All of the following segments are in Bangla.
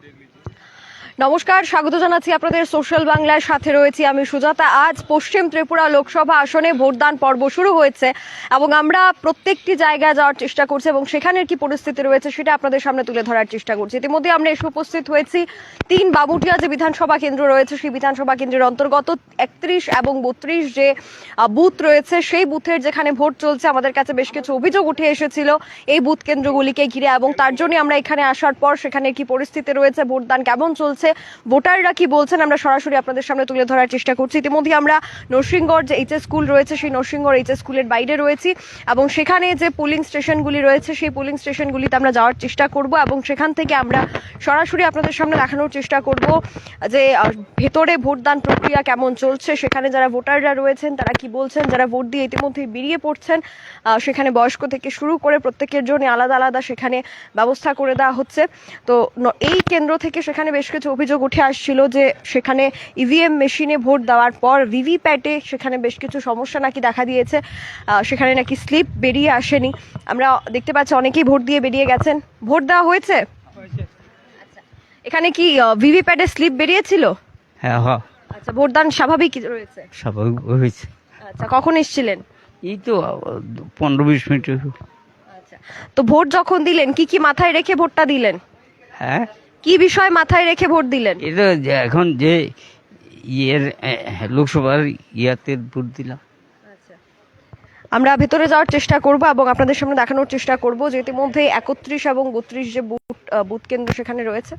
নমস্কার, স্বাগত জানাচ্ছি আপনাদের সোশ্যাল বাংলার সাথে রয়েছি আমি সুজাতা। আজ পশ্চিম ত্রিপুরা লোকসভা আসনে ভোটদান পর্ব শুরু হয়েছে এবং আমরা প্রত্যেকটি জায়গায় যাওয়ার চেষ্টা করছি এবং সেখানের কি পরিস্থিতি রয়েছে সেটা আপনাদের সামনে তুলে ধরার চেষ্টা করছি। ইতিমধ্যে আমরা এসে উপস্থিত হয়েছি 3 বামুটিয়া যে বিধানসভা কেন্দ্র রয়েছে সেই বিধানসভা কেন্দ্রের অন্তর্গত 31 এবং 32 যে বুথ রয়েছে সেই বুথের যেখানে ভোট চলছে। আমাদের কাছে বেশ কিছু অভিযোগ উঠে এসেছিল এই বুথ কেন্দ্রগুলিকে ঘিরে এবং তার জন্য আমরা এখানে আসার পর সেখানে কি পরিস্থিতি রয়েছে, ভোটদান কেমন চলছে, ভোটাররা কি বলছেন আমরা সরাসরি আপনাদের সামনে তুলে ধরার চেষ্টা করছি। ইতিমধ্যে আমরা নরসিংগড় যে এইচএস স্কুল রয়েছে সেই নরসিংগড় এইচএস স্কুলের বাইরে রয়েছি এবং সেখানে যে পোলিং স্টেশনগুলি রয়েছে সেই পোলিং স্টেশনগুলিতে আমরা যাওয়ার চেষ্টা করব এবং সেখান থেকে আমরা সরাসরি আপনাদের সামনে দেখানোর চেষ্টা করব যে ভেতরে ভোটদান প্রক্রিয়া কেমন চলছে, সেখানে যারা ভোটাররা রয়েছেন তারা কি বলছেন, যারা ভোট দিয়ে ইতিমধ্যে বেরিয়ে পড়ছেন সেখানে বয়স্ক থেকে শুরু করে প্রত্যেকের জন্য আলাদা আলাদা সেখানে ব্যবস্থা করে দেওয়া হচ্ছে। তো এই কেন্দ্র থেকে সেখানে বেশ কিছু অভিযোগ উঠে আসছিল যে সেখানে ইভিএম মেশিনে ভোট দেওয়ার পর ভিভিপ্যাটে সেখানে বেশ কিছু সমস্যা নাকি দেখা দিয়েছে, সেখানে নাকি স্লিপ বেরিয়ে আসেনি। আমরা দেখতে পাচ্ছি অনেকেই ভোট দিয়ে বেরিয়ে গেছেন। ভোট দেওয়া হয়েছে? আচ্ছা, এখানে কি ভিভিপ্যাটে স্লিপ বেরিয়েছিল? হ্যাঁ হ্যাঁ। আচ্ছা, ভোটদান স্বাভাবিক রয়েছে? স্বাভাবিক হয়েছে। আচ্ছা, কখন এসেছিলেন? এই তো 15-20 মিনিট। আচ্ছা, তো ভোট যখন দিলেন কি কি মাথায় রেখে ভোটটা দিলেন? হ্যাঁ, কি বিষয় মাথায় রেখে ভোট দিলেন? এটা এখন যে ইয়ের লোকসভার ইয়াতে ভোট দিলাম। আমরা ভেতরে যাওয়ার চেষ্টা করব এবং আপনাদের সামনে দেখানোর চেষ্টা করব যে ইতিমধ্যে 31 এবং 32 যে বুথ কেন্দ্র সেখানে রয়েছে।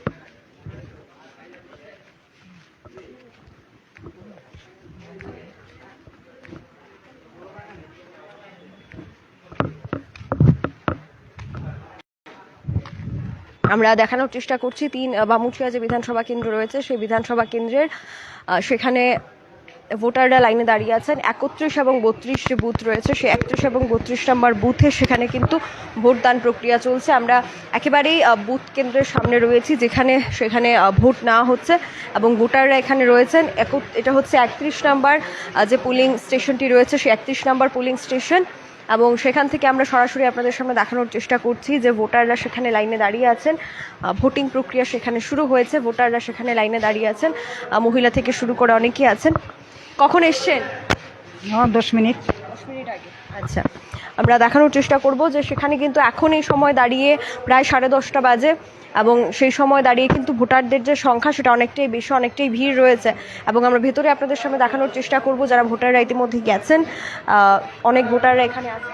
আমরা দেখানোর চেষ্টা করছি 3 বামুটিয়া যে বিধানসভা কেন্দ্র রয়েছে সেই বিধানসভা কেন্দ্রের সেখানে ভোটাররা লাইনে দাঁড়িয়ে আছেন। 31 এবং 32 যে বুথ রয়েছে সেই 31 এবং 32 নম্বর বুথে সেখানে কিন্তু ভোটদান প্রক্রিয়া চলছে। আমরা একেবারেই বুথ কেন্দ্রের সামনে রয়েছি যেখানে সেখানে ভোট নেওয়া হচ্ছে এবং ভোটাররা এখানে রয়েছেন। এটা হচ্ছে 31 নম্বর যে পোলিং স্টেশনটি রয়েছে সেই 31 নম্বর পোলিং স্টেশন এবং সেখান থেকে আমরা সরাসরি আপনাদের সামনে দেখানোর চেষ্টা করছি যে ভোটাররা সেখানে লাইনে দাঁড়িয়ে আছেন। ভোটিং প্রক্রিয়া সেখানে শুরু হয়েছে, ভোটাররা সেখানে লাইনে দাঁড়িয়ে আছেন, মহিলা থেকে শুরু করে অনেকেই আছেন। কখন এসছেন? 10 মিনিট আগে। আচ্ছা, আমরা দেখানোর চেষ্টা করব যে সেখানে কিন্তু এখন এই সময় দাঁড়িয়ে প্রায় 10:30 বাজে এবং সেই সময় দাঁড়িয়ে কিন্তু ভোটারদের যে সংখ্যা সেটা অনেকটাই বেশি, অনেকটাই ভিড় রয়েছে এবং আমরা ভেতরে আপনাদের সামনে দেখানোর চেষ্টা করব যারা ভোটাররা ইতিমধ্যে গেছেন। অনেক ভোটাররা এখানে আছেন।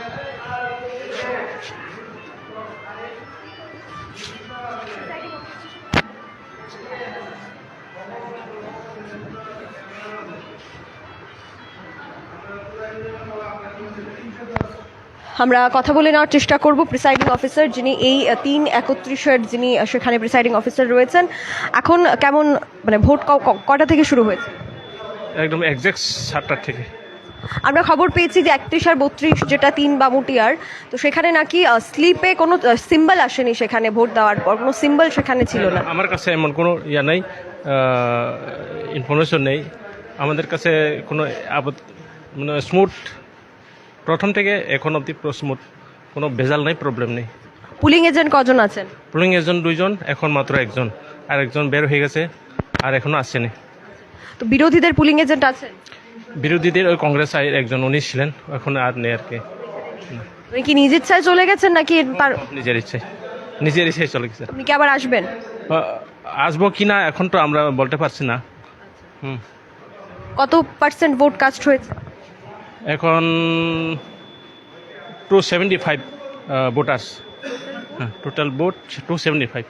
আমরা কথা বলে নেওয়ার চেষ্টা করব প্রিসাইডিং অফিসার যিনি এই 3-31 যিনি সেখানে প্রিসাইডিং অফিসার রয়েছেন। এখন কেমন মানে ভোট কটা থেকে শুরু হয়েছে? একদম এক্সাক্ট 7টা থেকে। আমরা খবর পেয়েছি যে 31 আর 32 যেটা 3 বামুটিয়ার, তো সেখানে নাকি স্লিপে কোনো সিম্বল আসেনি, সেখানে ভোট দেওয়ার পর কোনো সিম্বল সেখানে ছিল না। আমার কাছে এমন কোনো ইয়া নেই, ইনফরমেশন নেই আমাদের কাছে কোনো মানে স্মুথ প্রথম থেকে এখন অবধি স্মুথ, কোনো ভেজাল নেই, প্রবলেম নেই। পুলিং এজেন্ট কজন আছেন? পুলিং এজেন্ট 2 জন, এখন মাত্র 1 জন, আর 1 জন বের হয়ে গেছে আর এখনো আসছেনি। তো বিরোধীদের পুলিং এজেন্ট আছেন? বিরোধীদের ওই কংগ্রেস একজন উনি ছিলেন, এখন আর নেই আর কি। উনি কি নিজ ইচ্ছায় চলে গেছেন নাকি নিজের ইচ্ছায় চলে গেছে? আপনি কি আবার আসবেন? আসবো কি না এখন তো আমরা বলতে পারছি না। কত পার্সেন্ট ভোট কাস্ট হয়েছে? এখন 275 ভোটার্স, টোটাল ভোট 275।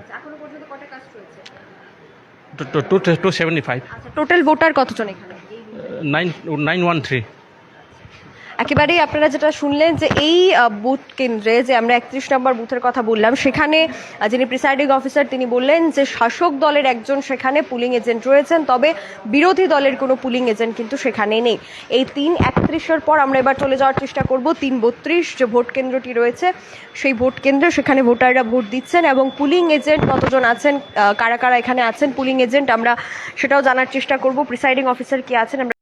এখনো পর্যন্ত কত কাস্ট হয়েছে? 275। টোটাল ভোটার কতজন এখানে? 913। একেবারেই আপনারা যেটা শুনলেন যে এই বুথ কেন্দ্রে যে আমরা 31 নম্বর বুথের কথা বললাম সেখানে যিনি প্রিসাইডিং অফিসার তিনি বললেন যে শাসক দলের একজন সেখানে পুলিং এজেন্ট রয়েছেন, তবে বিরোধী দলের কোনো পুলিং এজেন্ট কিন্তু সেখানে নেই। এই 3-31 পর আমরা এবার চলে যাওয়ার চেষ্টা করব 3-32 যে ভোট কেন্দ্রটি রয়েছে সেই ভোট কেন্দ্রে, সেখানে ভোটাররা ভোট দিচ্ছেন এবং পুলিং এজেন্ট কতজন আছেন, কারা কারা এখানে আছেন পুলিং এজেন্ট আমরা সেটাও জানার চেষ্টা করব। প্রিসাইডিং অফিসার কি আছেন আমরা